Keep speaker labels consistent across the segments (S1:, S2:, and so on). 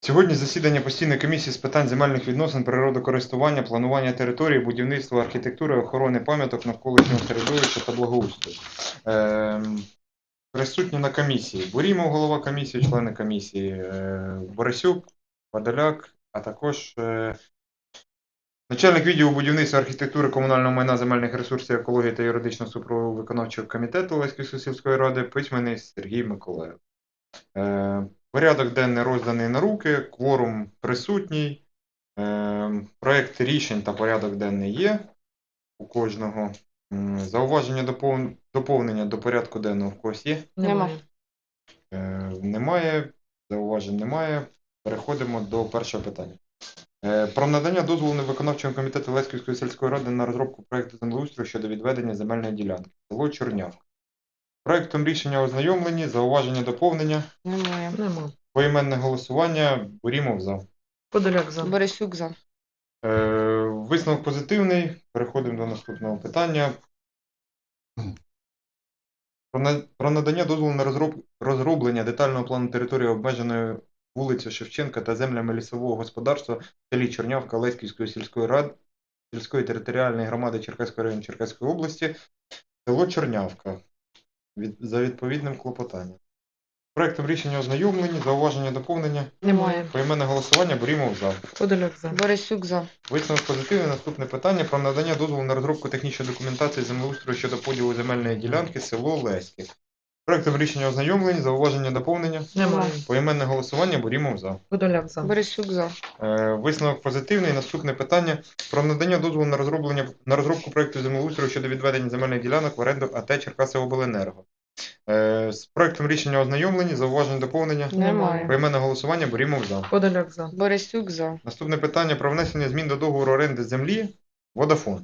S1: Сьогодні засідання постійної комісії з питань земельних відносин, природокористування, планування території, будівництва, архітектури, охорони пам'яток навколишнього середовища та благоустрою. Присутні на комісії: Бурімов, голова комісії, члени комісії, Борисюк, Подоляк, а також начальник відділу будівництва, архітектури, комунального майна, земельних ресурсів, екології та юридичного супроводу виконавчого комітету Олеської сільської ради, письменний Сергій Миколаїв. Порядок денний розданий на руки, кворум присутній, проєкт рішень та порядок денний є у кожного. Зауваження доповнення до порядку денного в когось є?
S2: Немає.
S1: Немає, зауважень немає. Переходимо до першого питання. Про надання дозволу виконавчого комітету Леськівської сільської ради на розробку проєкту землеустрою щодо відведення земельної ділянки. Село Чорнявка. Проєктом рішення ознайомлені, зауваження доповнення.
S2: Немає.
S1: Поіменне голосування. Бурімов за.
S2: Подоляк за.
S3: Борисюк за.
S1: Висновок позитивний. Переходимо до наступного питання. Про надання дозволу на розроблення детального плану території обмеженої вулиці Шевченка та землями лісового господарства в селі Чорнявка Леськівської сільської ради, сільської територіальної громади Черкаського району Черкаської області, село Чорнявка. За відповідним клопотанням. Проектом рішення ознайомлені, зауваження доповнення.
S2: Немає.
S1: Поіменне голосування. Бурімов за.
S2: Подоляк за.
S3: Борисюк за.
S1: Висновок позитивний. Наступне питання про надання дозволу на розробку технічної документації землеустрою щодо поділу земельної ділянки село Леське. Проектом рішення ознайомлені, зауваження доповнення.
S2: Немає.
S1: Поіменне голосування. Бурімов за.
S2: Подоляк за.
S3: Борисюк за.
S1: Висновок позитивний. Наступне питання про надання дозволу на розробку проекту землеустрою щодо відведення земельних ділянок в оренду АТ Черкасиобленерго. З проектом рішення ознайомлені, зауважень доповнення.
S3: Немає.
S1: Поіменне голосування. Бурімов за.
S2: Подоляк за.
S3: Борисюк за.
S1: Наступне питання про внесення змін до договору оренди землі Водафон.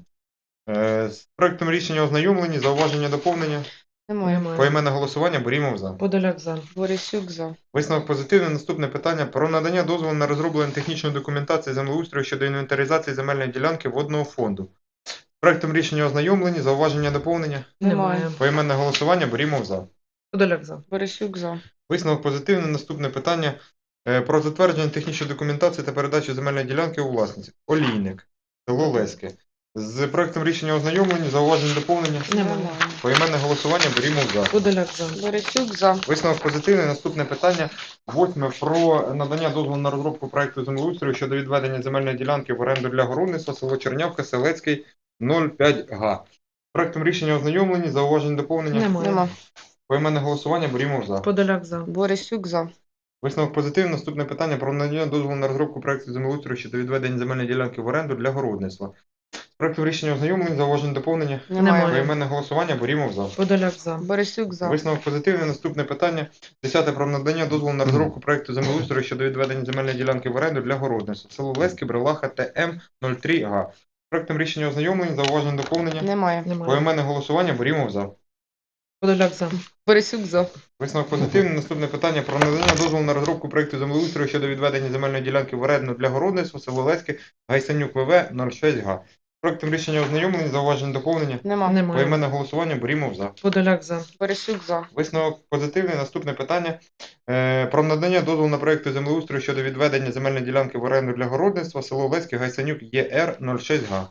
S1: З проектом рішення ознайомлені, зауваження доповнення.
S3: Немає.
S1: Поіменне голосування. Бурімов за.
S2: Подоляк за.
S3: Борисюк за.
S1: Висновок позитивний. Наступне питання про надання дозволу на розроблення технічної документації землеустрою щодо інвентаризації земельної ділянки водного фонду. З проектом рішення ознайомлені, зауваження доповнення.
S2: Немає.
S1: Поіменне голосування. Бурімов за.
S2: Подоляк за.
S3: Борисюк за.
S1: Висновок позитивний. Наступне питання про затвердження технічної документації та передачу земельної ділянки у власність. Олійник. Село Леське. З проектом рішення ознайомлені, зауважень доповнення.
S2: Немає.
S1: Поіменне голосування. Бурімов за.
S2: Подоляк за.
S3: Борисюк за.
S1: Висновок позитивний. Наступне питання. 8. Про надання дозволу на розробку проекту землеустрою щодо відведення земельної ділянки в оренду для городництва. Село Чернявка, Селецький, 05 га. Проектом рішення ознайомлені, зауважень доповнення.
S2: Немає.
S1: Поіменне голосування. Бурімов за.
S2: Подоляк за.
S3: Борисюк за.
S1: Висновок позитивний. Наступне питання про надання дозволу на розробку проекту землеустрою щодо відведення земельної ділянки в оренду для городництва. Проектом рішення ознайомлень, зауважень доповнення.
S2: Немає.
S1: Поіменне голосування. Бурімов за.
S2: Подоляк за.
S3: Борисюк за.
S1: Висновок позитивний. Наступне питання. 10. Про надання дозволу на розробку проекту землеустрою щодо відведення земельної ділянки в оренду для городництва. Село Леське, Брелаха, ТМ 03 га. Проектом рішення ознайомлень, зауважень доповнення.
S3: Немає.
S2: Немає.
S1: Поіменне голосування. Бурімов за.
S2: Подоляк за.
S3: Борисюк за.
S1: Висновок позитивний. Наступне питання про надання дозволу на розробку проекту землеустрою щодо відведення земельної ділянки в оренду для городництва. Село Леське, Гайсанюк ВВ 06 га. Проектом рішення ознайомлені, зауважень доповнення.
S3: Немає.
S2: Немає.
S1: Поіменне голосування. Бурімов за.
S2: Подоляк за.
S3: Борисюк за.
S1: Висновок позитивний. Наступне питання про надання дозволу на проекту землеустрою щодо відведення земельної ділянки в оренду для городництва. Село Леське, Гайсанюк ЄР 06 га.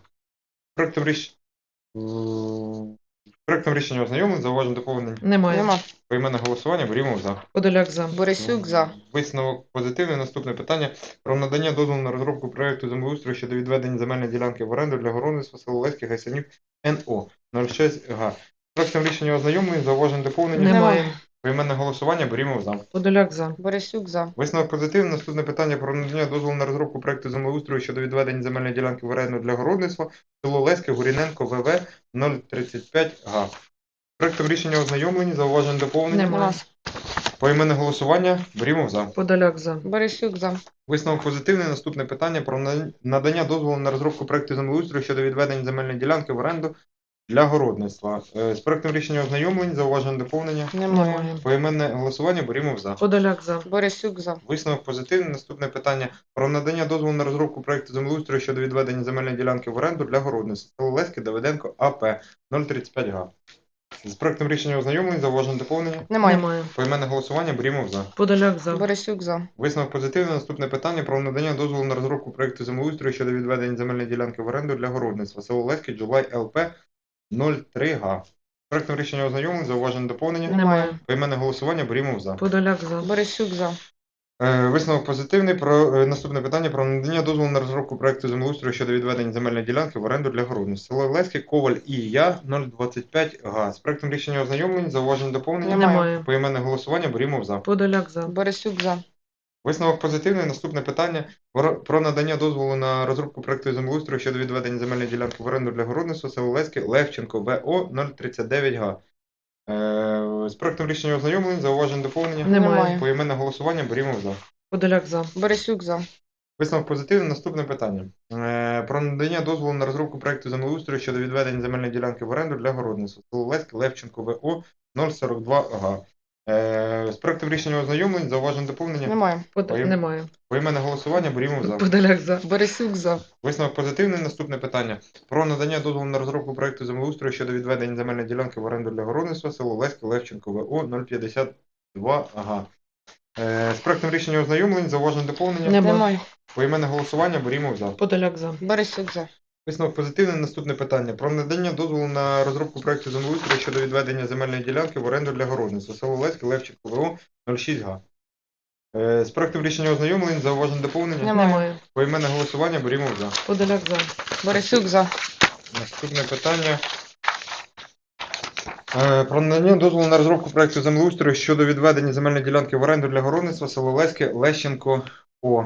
S1: Проектом рішення ознайомлень, зауважень доповнення.
S2: Немає.
S1: Поіменне голосування. Бурімов за.
S2: Подоляк за.
S3: Борисюк за.
S1: Висновок позитивний. Наступне питання про надання дозволу на розробку проекту землеустрою щодо відведення земельної ділянки в оренду для городництва. Село Леське, Гайсанюк НО 06 га. Проектом рішення ознайомлень, зауважень доповнення.
S2: Немає.
S1: Поіменне голосування. Бурімов за.
S2: Подоляк за.
S3: Борисюк за.
S1: Висновок позитивний. Наступне питання про надання дозволу на розробку проекту землеустрою щодо відведення земельної ділянки в оренду для городництва. Село Леське, Гуріненко ВВ 035 га. Проектом рішення ознайомлені, зауважень доповнення.
S2: Немає.
S1: Поіменне голосування. Бурімов за.
S2: Подоляк за.
S3: Борисюк за.
S1: Висновок позитивний. Наступне питання про надання дозволу на розробку проекту землеустрою щодо відведення земельної ділянки в оренду для городництва. З проектом рішення ознайомлень, зауважень доповнення.
S3: Немає.
S1: Поіменне голосування. Бурімов за.
S2: Подоляк за.
S3: Борисюк за.
S1: Висновок позитивний. Наступне питання про надання дозволу на розробку проекту землеустрою щодо відведення земельної ділянки в оренду для городництва. Село Леське, Давиденко АП 035 га. З проектом рішення ознайомлень, зауважень, доповнення.
S3: Немає.
S2: Немає.
S1: Поіменне голосування, Брімов за.
S2: Подоляк за.
S3: Борисюк за.
S1: Висновок позитивний. Наступне питання про надання дозволу на розробку проекту землеустрою щодо відведення земельної ділянки в оренду для городництва. Село Леське, Джулай ЛП 03 га. З проектом рішення ознайомлень, зауважень, доповнення.
S2: Немає.
S1: Поіменне голосування, Брімов за.
S2: Подоляк за.
S3: Борисюк за.
S1: Висновок позитивний. Про наступне питання про надання дозволу на розробку проекту землеустрою щодо відведення земельної ділянки в оренду для городництва. Село Леське, Коваль і я 025 га. З проектом рішення ознайомлень, зауважень, доповнення.
S2: Немає.
S1: Поіменне голосування, Брімов за.
S2: Подоляк за.
S3: Борисюк за.
S1: Висновок позитивний. Наступне питання про надання дозволу на розробку проекту землеустрою щодо відведення земельної ділянки в оренду для городництва. Село Леське, Левченко, ВО 039 га. З проектом рішення ознайомлень, зауважень, доповнення.
S2: Немає.
S1: Поіменне голосування, Брімов за.
S2: Подоляк за.
S3: Борисюк за.
S1: Висновок позитивний. Наступне питання. Про надання дозволу на розробку проекту землеустрою щодо відведення земельної ділянки в оренду для городництва. Село Леське, Левченко, ВО 042 га. З проектом рішення ознайомлень, зауважень, доповнення.
S3: Немає.
S2: Немає.
S1: Поіменне голосування, Брімов за.
S2: Подоляк за.
S3: Борисюк за.
S1: Висновок позитивний. Наступне питання. Про надання дозволу на розробку проекту землеустрою щодо відведення земельної ділянки в оренду для городництва. Село Леське, Левченко, ВО 052 га. З проектом рішення ознайомлень, зауважень, доповнення.
S3: Немає.
S1: Поіменне голосування, Брімов за.
S2: Подоляк за.
S3: Борисюк за.
S1: Висновок позитивний. Наступне питання. Про надання дозволу на розробку проекту землеустрою щодо відведення земельної ділянки в оренду для городництва. Село Леське, Левченко, ВО 06 га. З проектом рішення ознайомлень, зауважень, доповнення.
S2: Немає.
S1: Поіменне голосування, Брімов за.
S2: Подоляк за.
S3: Борисюк за.
S1: Наступне питання. Про надання дозволу на розробку проекту землеустрою щодо відведення земельної ділянки в оренду для городництва. Село Леське, Лещенко, О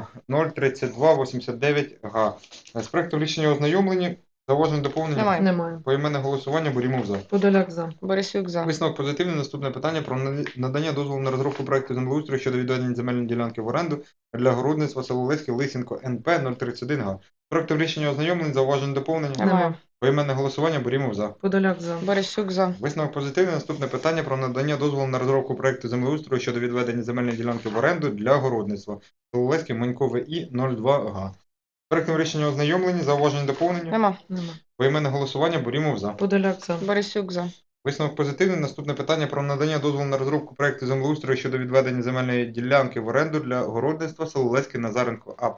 S1: 03289 га. З проектом рішення ознайомлені, зауважень, доповнення.
S3: Немає.
S2: Немає.
S1: Поіменне голосування, Борімов за.
S2: Подоляк за.
S3: Борисюк за.
S1: Висновок позитивний. Наступне питання про надання дозволу на розробку проекту землеустрою щодо відведення земельної ділянки в оренду для городництва. Село Леське, Лисенко, НП 031 га. З проектом рішення ознайомлень, зауважень, доповнення.
S3: Немає.
S1: Поіменне голосування, Борімов за.
S2: Подоляк за.
S3: Борисюк за.
S1: Висновок позитивний. Наступне питання про надання дозволу на розробку проекту землеустрою щодо відведення земельної ділянки в оренду для городництва. Село Леське, Манько, ВІ 02 га. Проектом рішення ознайомлені, зауважень, доповнення.
S3: Нема.
S2: Нема.
S1: Поіменне голосування, Борімов за.
S2: Подоляк за.
S3: Борисюк за.
S1: Висновок позитивний. Наступне питання про надання дозволу на розробку проекту землеустрою щодо відведення земельної ділянки в оренду для городництва. Село Леське, Назаренко, АП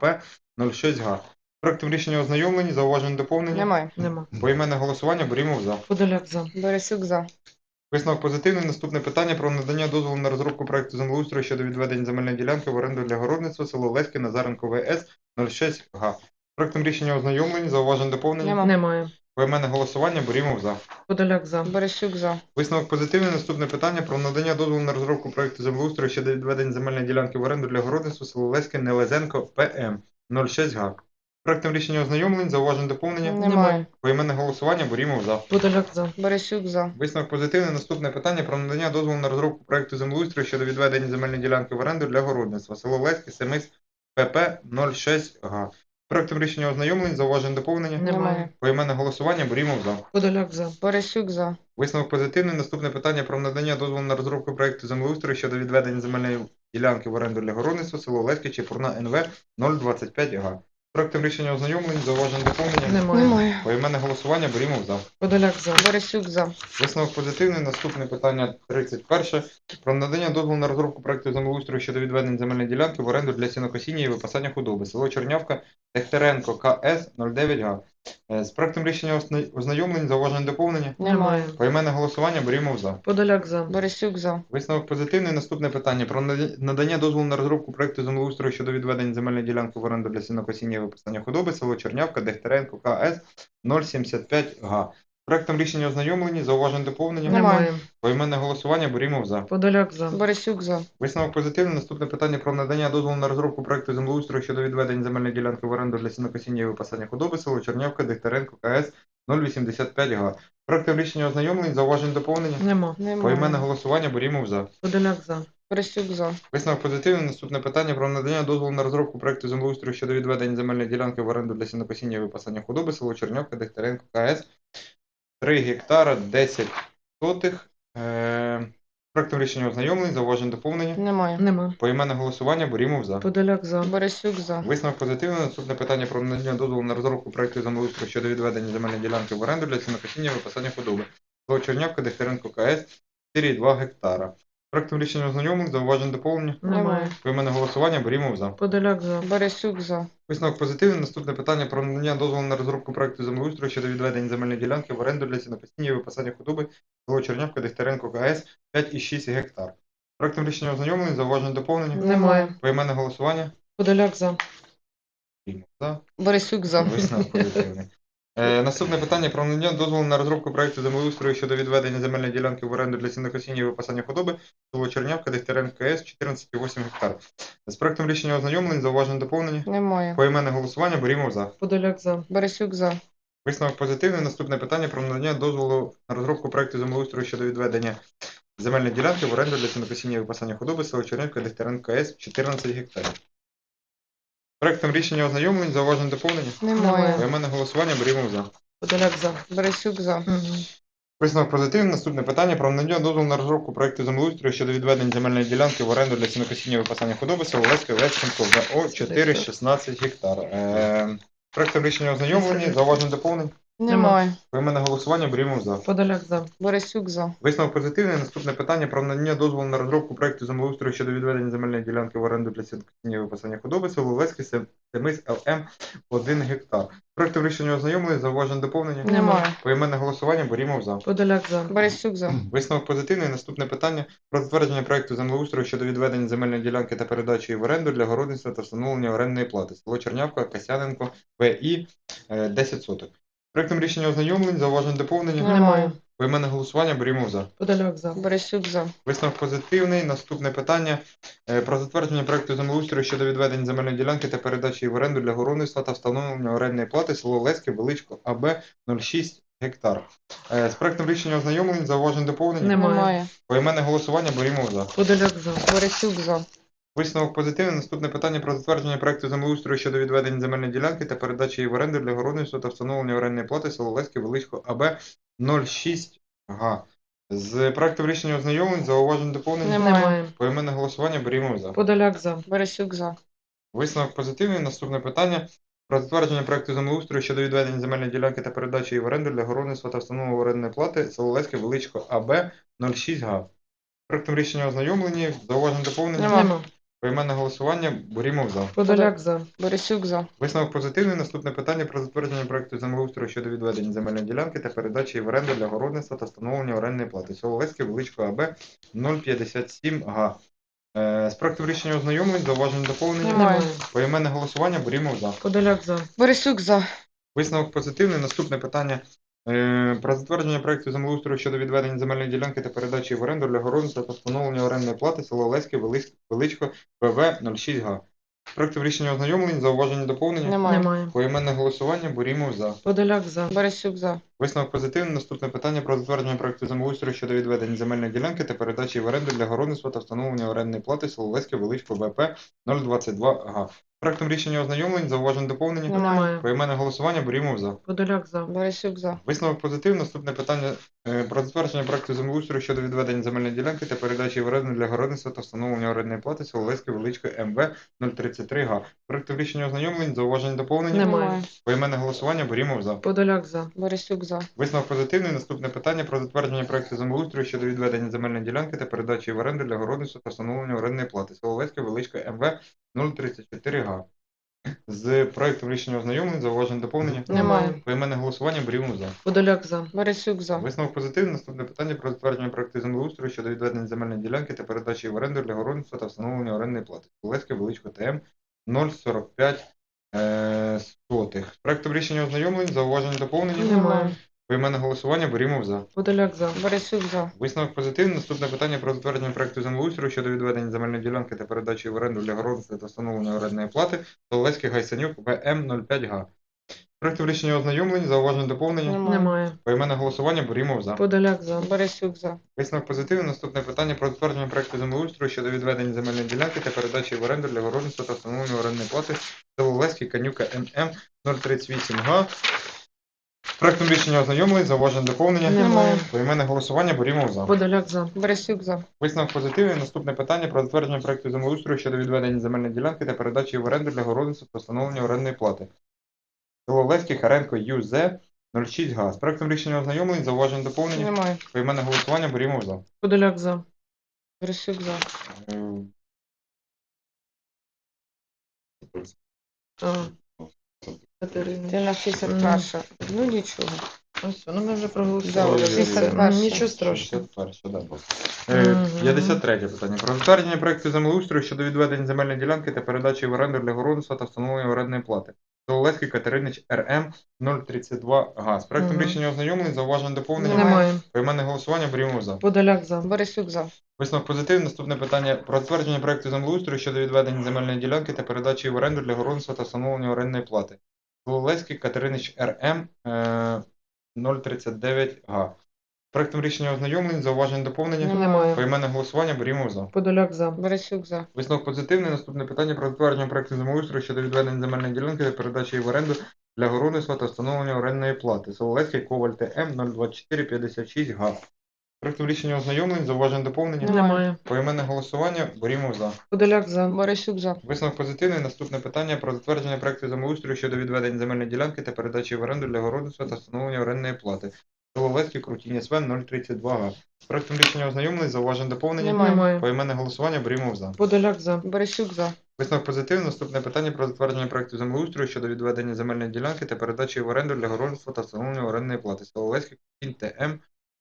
S1: 06 га. Проектом рішення ознайомлені, зауважень, доповнення.
S3: Немає.
S2: Нема.
S1: Поіменне голосування, Борімов за.
S2: Подоляк за.
S3: Борисюк за.
S1: Висновок позитивний. Наступне питання про надання дозволу на розробку проекту землеустрою щодо відведення земельної ділянки в оренду для городництва. Село Леське, Назаренко, ВС 06 га. Проектом рішення ознайомлені, зауважень, доповнення.
S3: Нема.
S2: Немає.
S1: Поіменне голосування, Борімов за.
S2: Подоляк за.
S3: Борисюк за.
S1: Висновок позитивний. Наступне питання про надання дозволу на розробку проекту землеустрою щодо відведення земельної ділянки в оренду для городництва. Село Леське, Нелезенко, ПМ 06 га. Проектом рішення ознайомлень, зауважень, доповнення.
S3: Немає.
S1: Поіменне голосування, Борімов за.
S2: Подоляк за.
S3: Борисюк за.
S1: Висновок позитивний. Наступне питання про надання дозволу на розробку проекту землеустрою щодо відведення земельної ділянки в оренду для городництва. Село Леське, Семис, ПП 06 га. Проектом рішення ознайомлень, зауважень, доповнення.
S2: Немає.
S1: Поіменне голосування, Борімов за.
S2: Подоляк за.
S3: Борисюк за.
S1: Висновок позитивний. Наступне питання про надання дозволу на розробку проекту землеустрою щодо відведення земельної ділянки в оренду для городництва. Село Леське, Чепурна, НВ 025 га. Проектом рішення ознайомлень, зауважень, доповнення.
S2: Немає.
S3: Немає.
S1: Поіменне голосування, Борімов за.
S2: Подоляк за.
S3: Борисюк за.
S1: Висновок позитивний. Наступне питання 31. Про надання дозволу на розробку проекту землеустрою щодо відведення земельної ділянки в оренду для сінокосіння і випасання худоби. Село Чернявка, Дегтяренко, КС 09 га. З проектом рішення ознайомлень, зауважень, доповнення.
S2: Немає.
S1: Поіменне голосування, Борімов за.
S2: Подоляк за.
S3: Борисюк за.
S1: Висновок позитивний. Наступне питання про надання дозволу на розробку проекту землеустрою щодо відведення земельної ділянки в оренду для сінокосіння і випасання худоби. Село Чернявка, Дегтяренко, КС 075 га. Проектом рішення ознайомлені, зауважень, доповнення.
S2: Немає.
S1: Поіменне голосування, Борімов за.
S2: Подоляк за.
S3: Борисюк за.
S1: Висновок позитивний. Наступне питання про надання дозволу на розробку проекту землеустрою щодо відведення земельної ділянки в оренду для сінокосіння і випасання худоби. Село Чернявка, Дегтяренко, КС 085 га. Проектом рішення ознайомлень, зауважень, доповнення.
S2: Нема.
S1: Поіменне
S3: Немає.
S1: голосування, Борімов за.
S2: Подоляк за.
S3: Борисюк за.
S1: Висновок позитивний. Наступне питання про надання дозволу на розробку проекту землеустрою щодо відведення земельної ділянки в оренду для сінокосіння і випасання худоби. Село Чернявка, Дегтяренко, КС 3 гектара 10 сотих. Проектом рішення ознайомлень, зауважень, доповнення.
S3: Немає.
S2: Нема.
S1: Поіменне голосування, Борімов за.
S2: Подоляк за.
S3: Борисюк за.
S1: Висновок позитивний. Наступне питання про надання дозволу на розробку проекту землеустрою щодо відведення земельної ділянки в оренду для сінокосіння і випасання худоби. село Чернявка, Дегтяренко КС 4,2 гектара. Проектом рішення ознайомлень, зауважень доповнення.
S2: Немає.
S1: Поіменне голосування, берімо за.
S2: Подоляк за.
S3: Борисюк за.
S1: Висновок позитивний. Наступне питання про надання дозволу на розробку проекту землеустрою щодо відведення земельної ділянки в оренду для сінокосіння і випасання худоби село Чернявка, Дегтяренко КС 5,6 гектар. Проектом рішення ознайомлень, зауважень доповнення.
S2: Немає.
S1: Поіменне голосування.
S2: Подоляк за.
S1: Берімо за.
S3: Борисюк за.
S1: Висновок позитивний. Наступне питання про надання дозволу на розробку проекту землеустрою щодо відведення земельної ділянки в оренду для сінокосіння і випасання худоби село Чернявка, Дегтяренко КС 14,8 гектар. З проектом рішення ознайомлень, зауважень доповнення.
S3: Немає.
S1: Поіменне голосування, берімо за.
S2: Подоляк за.
S3: Борисюк за.
S1: Висновок позитивний. Наступне питання про надання дозволу на розробку проекту землеустрою щодо відведення земельної ділянки в оренду для сінокосіння і випасання худоби село Чернявка, Дегтяренко КС 14 гектарів. Проектом рішення ознайомлень, зауважень доповнення.
S3: Немає.
S1: Поіменне голосування, берімо за.
S2: Подоляк за.
S3: Борисюк за.
S1: Висновок позитивний. Наступне питання про надання дозволу на розробку проекту землеустрою щодо відведення земельної ділянки в оренду для сінокосіння і випасання худоби село Леське Лещенко ВО 4,16 гектар. Проектом рішення ознайомлені, зауважень доповнень.
S3: Немає.
S1: Поіменне голосування, берімо за.
S2: Подоляк за.
S3: Борисюк за.
S1: Висновок позитивний. Наступне питання про надання дозволу на розробку проекту землеустрою щодо відведення земельної ділянки в оренду для сінокосіння і випасання худоби село Леське Семис ЛМ 1 гектар. Проектом рішення ознайомлені, зауважень доповнення.
S3: Немає.
S1: Поіменне голосування, берімо за.
S2: Подоляк за.
S3: Борисюк за.
S1: Висновок позитивний. Наступне питання про затвердження проекту землеустрою щодо відведення земельної ділянки та передачі її в оренду для городництва та встановлення орендної плати. Село Чернявка, Касяненко, ВІ 10 соток. Проектом рішення ознайомлень, зауважень доповнення.
S2: Немає.
S1: Поіменне голосування, берімо за.
S2: Подоляк за.
S3: Борисюк за.
S1: Висновок позитивний. Наступне питання про затвердження проекту землеустрою щодо відведення земельної ділянки та передачі її в оренду для городництва та встановлення орендної плати. Село Леське, Величко, АБ 0,6 гектар. З проектом рішення ознайомлень, зауважень доповнення.
S2: Немає.
S1: Поіменне голосування, берімо за.
S2: Подоляк за.
S3: Борисюк за.
S1: Висновок позитивний. Наступне питання про затвердження проекту землеустрою щодо відведення земельної ділянки та передачі її в оренду для городництва та встановлення орендної плати село Леське, Величко, АБ 0,6 га. З проектом рішення ознайомлень, зауважень доповнення.
S2: Немає.
S1: Поіменне голосування, берімо за.
S2: Подоляк за.
S3: Борисюк за.
S1: Висновок позитивний. Наступне питання про затвердження проекту землеустрою щодо відведення земельної ділянки та передачі її в оренду для городництва та встановлення орендної плати село Леське, Величко, АБ 0,6 га. Проектом рішення ознайомлені, зауважень доповнення.
S2: Нема.
S1: Поіменне голосування, берімо за.
S2: Подоляк за.
S3: Борисюк за.
S1: Висновок позитивний. Наступне питання про затвердження проекту землеустрою щодо відведення земельної ділянки та передачі її в оренду для городництва та встановлення орендної плати. Село Леське, Величко, АБ 0,57 га. З проектом рішення ознайомлень, зауважень доповнення.
S2: Немає.
S1: Поіменне голосування, берімо за.
S2: Подоляк за.
S3: Борисюк за.
S1: Висновок позитивний. Наступне питання про затвердження проекту землеустрою щодо відведення земельної ділянки та передачі її в оренду для городництва та встановлення орендної плати село Леське, Величко, ВВ 0,6 га. Проектом рішення ознайомлень, зауваження доповнення.
S2: Немає.
S1: Поіменне голосування, берімо за.
S2: Подоляк за.
S3: Борисюк за.
S1: Висновок позитивний. Наступне питання про затвердження проекту землеустрою щодо відведення земельної ділянки та передачі її в оренду для городництва та встановлення орендної плати село Леське, Величко, ВП 0,22 га. Проектом рішення ознайомлень, зауважень доповнення.
S2: Немає.
S1: Поіменне голосування, берімо за.
S2: Подоляк за.
S3: Борисюк за.
S1: Висновок позитивний. Наступне питання про затвердження проекту землеустрою щодо відведення земельної ділянки та передачі її в оренду для городництва та встановлення орендної плати село Леське, Величко, МВ 0,33 га. Проектом рішення ознайомлень, зауважень доповнення.
S2: Немає.
S1: Поіменне голосування, берімо за.
S2: Подоляк за.
S3: Борисюк за.
S1: Висновок позитивний. Наступне питання про затвердження проекту землеустрою щодо відведення земельної ділянки та передачі її в оренду для городництва та встановлення орендної плати. Село Леське, Величко, МВ 0,34 га. З проектом рішення ознайомлень, зауважень доповнення.
S2: Немає.
S1: Поіменне голосування, берімо за.
S2: Подоляк за.
S3: Борисюк за.
S1: Висновок позитивний. Наступне питання про затвердження проекту землеустрою щодо відведення земельної ділянки та передачі її в оренду для городництва та встановлення орендної плати. Село Леське, Величко, ТМ 0,45 сотих. З проектом рішення ознайомлень, зауважень доповнення.
S2: Немає.
S1: Поіменне голосування, берімо за.
S2: Подоляк за.
S3: Борисюк за.
S1: Висновок позитивний. Наступне питання про затвердження проекту землеустрою щодо відведення земельної ділянки та передачі в оренду для городництва та встановлення орендної плати Соловецький Гайсанюк ВМ 05 га. Проектом рішення ознайомлень, зауважень доповнення.
S2: Немає.
S1: Поіменне голосування, берімо за.
S2: Подоляк за.
S3: Борисюк за.
S1: Висновок позитивний. Наступне питання про затвердження проекту землеустрою щодо відведення земельної ділянки та передачі в оренду для городництва та встановлення орендної плати Соловецький Канюка ММ 038 га. Проектом рішення ознайомлень, зауважень доповнення.
S2: Немає.
S1: Поіменне голосування, берімо за.
S2: Подоляк за.
S3: Борисюк за.
S1: Висновок позитивний. Наступне питання про затвердження проекту землеустрою щодо відведення земельної ділянки та передачі в оренду для городництва та встановлення орендної плати. Село Леський, Харенко, ЮЗ 06 га. З проектом рішення ознайомлень, зауважень доповнення.
S3: Немає.
S1: Поіменне голосування берімо за.
S2: Подоляк за.
S3: Борисюк за.
S1: Е,
S2: А. Катерина.
S3: Ти на 61. Ну нічого.
S2: Ось, ну ми вже
S3: Да,
S2: проголосували.
S3: вже
S2: Все.
S3: 61.
S2: Нічого страшного.
S1: 61, да.
S2: Мгм.
S1: 53 питання. Про затвердження проекту землеустрою щодо відведення земельної ділянки та передачі в оренду для городництва та встановлення орендної плати. Соловецький Катеринич РМ 032 га. З проектом
S2: Мгм.
S1: рішення ознайомлень, зауважень доповнення.
S2: Немає.
S1: Поіменне голосування берімо за.
S2: Подоляк за.
S3: Борисюк за.
S1: Висновок позитивний. Наступне питання про затвердження проекту землеустрою щодо відведення земельної ділянки та передачі в оренду для городництва та встановлення орендної плати. Соловецький Катеринич РМ 039 га. Проектом рішення ознайомлень, зауважень доповнення.
S2: Немає.
S1: Поіменне голосування берімо за.
S2: Подоляк за.
S3: Борисюк за.
S1: Висновок позитивний. Наступне питання про затвердження проекту землеустрою щодо відведення земельної ділянки та передачі її в оренду для городництва та встановлення орендної плати. Соловецький Коваль ТМ 02456 га. Проектом рішення ознайомлень, зауважень доповнення.
S2: Немає.
S1: Поіменне голосування берімо за.
S2: Подоляк за.
S3: Борисюк за.
S1: Висновок позитивний. Наступне питання про затвердження проекту землеустрою щодо відведення земельної ділянки та передачі в оренду для городництва та встановлення орендної плати. Соловецький Крутінь СВ 032 га. Проектом рішення ознайомлень, зауважень доповнення.
S2: Немає.
S1: Поіменне голосування берімо за.
S2: Подоляк за.
S3: Борисюк за.
S1: Висновок позитивний. Наступне питання про затвердження проекту землеустрою щодо відведення земельної ділянки та передачі в оренду для городництва та встановлення орендної плати. Соловецький Крутінь ТМ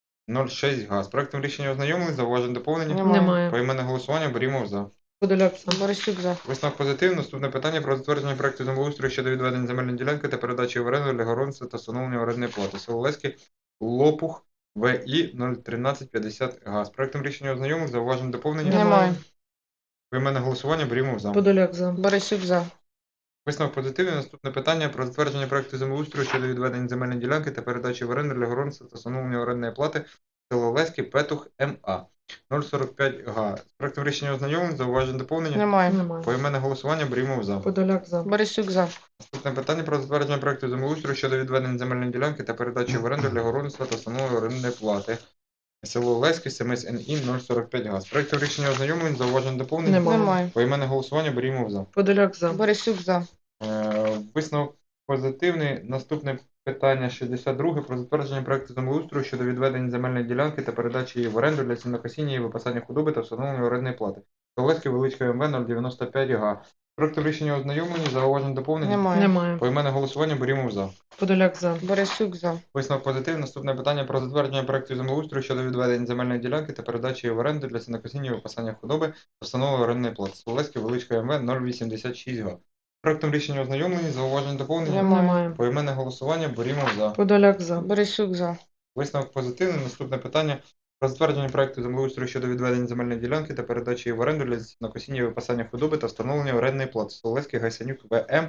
S1: 06 га. З проектом рішення ознайомлень, зауважень доповнення.
S2: Немає.
S1: Поіменне голосування берімо за.
S2: Подоляк за.
S3: Борисюк за.
S1: Висновок позитивний. Наступне питання про затвердження проекту землеустрою щодо відведення земельної ділянки та передачі в оренду для городництва та встановлення орендної плати. Соловецький Лопух ВІ 01350 га. З проектом рішення ознайомлень, зауважень доповнення.
S3: Немає.
S1: Поіменне голосування берімо за.
S2: Подоляк за.
S3: Борисюк за.
S1: Висновок позитивний. Наступне питання про затвердження проекту землеустрою щодо відведення земельної ділянки та передачі в оренду для городництва та встановлення орендної плати. Соловецький Петух МА 045 га. З проектом рішення ознайомлень, зауважень доповнення.
S3: Немає.
S2: Немає.
S1: Поіменне голосування берімо за.
S2: Подоляк за.
S3: Борисюк за.
S1: Наступне питання про затвердження проекту землеустрою щодо відведення земельної ділянки та передачі в оренду для городництва та встановлення орендної плати. Село Олеське, СМС НІ 045 га. З проектом рішення ознайомлень, зауважень доповнення.
S2: Немає.
S3: Немає.
S1: Поіменне голосування берімо за.
S2: Подоляк за.
S3: Борисюк за.
S1: Висновок позитивний. Наступне питання 62 про затвердження проекту землеустрою щодо відведення земельної ділянки та передачі її в оренду для сінокосіння і випасання худоби та встановлення орендної плати. Соловецький Величка МВ 095 га. Проектом рішення ознайомлені, зауважень доповнення.
S3: Немає.
S2: Немає.
S1: Поіменне голосування берімо за.
S2: Подоляк за.
S3: Борисюк за.
S1: Висновок позитивний. Наступне питання про затвердження проекту землеустрою щодо відведення земельної ділянки та передачі її в оренду для сінокосіння і випасання худоби та встановлення орендної плати. Соловецький Величка МВ 086 га. Проектом рішення ознайомлені, зауважень доповнення.
S2: Немає.
S1: Поіменне голосування берімо за.
S2: Подоляк за.
S3: Борисюк за.
S1: Висновок позитивний. Наступне питання про затвердження проекту землеустрою щодо відведення земельної ділянки та передачі її в оренду для накосіння і випасання худоби та встановлення орендної плати. Соловецький Гайсенюк ВМ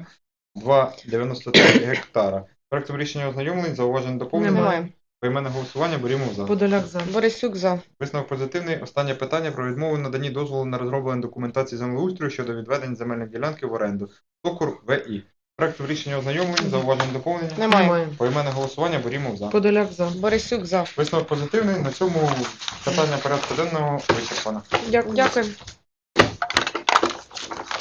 S1: 2,93 гектара. Проектом рішення ознайомлень, зауважень доповнення.
S2: Немає.
S1: Поіменне голосування берімо за.
S2: Подоляк за.
S3: Борисюк за.
S1: Висновок позитивний. Останнє питання про відмову в наданні дозволу на розроблення документації землеустрою щодо відведення земельної ділянки в оренду. Сокур ВІ. Проектом рішення ознайомлень, зауважень доповнення.
S3: Немає.
S1: Поіменне голосування берімо за.
S2: Подоляк за.
S3: Борисюк за.
S1: Висновок позитивний. На цьому питання порядку денного вичерпано.
S3: Дякую.